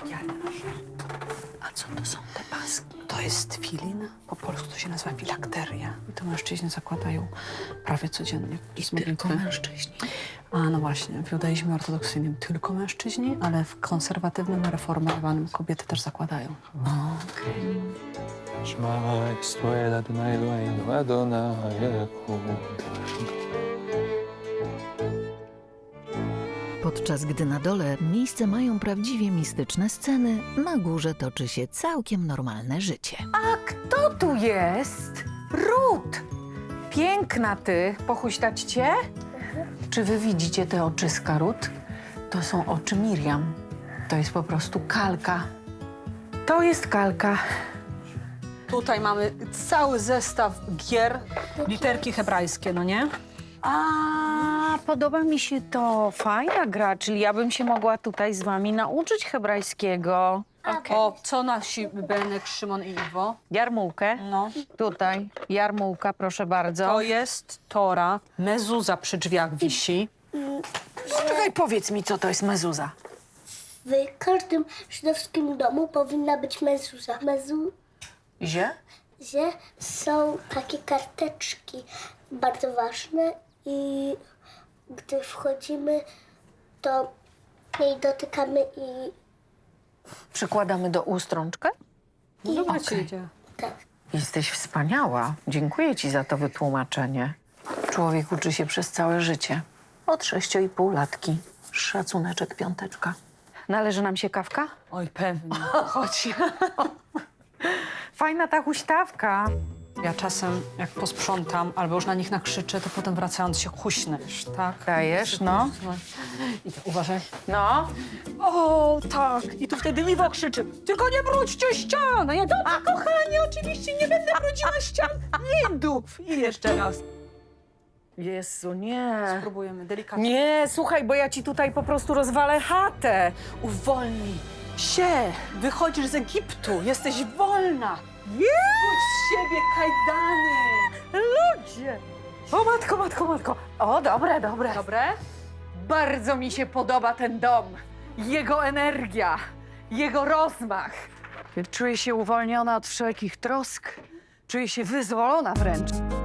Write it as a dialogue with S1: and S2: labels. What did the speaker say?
S1: Ja leżę. A co to są te paski? To jest filin. Po polsku to się nazywa filakteria. I to mężczyźni zakładają prawie codziennie.
S2: I tylko mężczyźni.
S1: A no właśnie, w judaizmie ortodoksyjnym tylko mężczyźni, ale w konserwatywnym, reformowanym kobiety też zakładają.
S3: שמע ישראל אדוני אלוהינו אדוני ייחוד.
S4: Podczas gdy na dole miejsce mają prawdziwie mistyczne sceny, na górze toczy się całkiem normalne życie.
S2: A kto tu jest? Rut! Piękna ty. Pochuśtać cię? Czy wy widzicie te oczyska, Rut? To są oczy Miriam. To jest po prostu kalka. To jest kalka.
S1: Tutaj mamy cały zestaw gier, literki hebrajskie, no nie?
S2: A, podoba mi się to. Fajna gra, czyli ja bym się mogła tutaj z wami nauczyć hebrajskiego.
S1: O, co nasi Benek, Szymon i Iwo?
S2: Jarmułkę.
S1: No.
S2: Tutaj. Jarmułka, proszę bardzo.
S1: To jest Tora. Mezuza przy drzwiach wisi.
S2: Czekaj, powiedz mi, co to jest mezuza.
S5: W każdym żydowskim domu powinna być mezuza.
S2: Zie?
S5: Mezuzie są takie karteczki bardzo ważne i gdy wchodzimy, to jej dotykamy i
S2: Przykładamy do ust rączkę?
S1: No dobra,
S2: Okej.
S1: ci idzie.
S5: tak.
S2: Jesteś wspaniała. Dziękuję ci za to wytłumaczenie. Człowiek uczy się przez całe życie. Od 6,5 latki. Szacuneczek, piąteczka. Należy nam się kawka?
S1: Oj, pewnie.
S2: Chodź. Fajna ta huśtawka.
S1: Ja czasem, jak posprzątam albo już na nich nakrzyczę, to potem wracając się huśnę, wiesz, tak?
S2: Dajesz, no.
S1: I to, uważaj.
S2: No.
S1: O, tak. I tu wtedy Iwo krzyczy, tylko nie brudźcie ścian. A ja, dobra, kochanie, oczywiście nie będę brudziła ścian. Nie dup. I jeszcze raz.
S2: Jezu, nie.
S1: Spróbujemy delikatnie.
S2: Nie, słuchaj, bo ja ci tutaj po prostu rozwalę chatę.
S1: Uwolnij się. Wychodzisz z Egiptu. Jesteś wolna. Rzuć z siebie kajdany.
S2: Ludzie. O matko, matko, matko. O, dobre, dobre.
S1: Dobre?
S2: Bardzo mi się podoba ten dom. Jego energia, jego rozmach. Czuję się uwolniona od wszelkich trosk. Czuję się wyzwolona wręcz.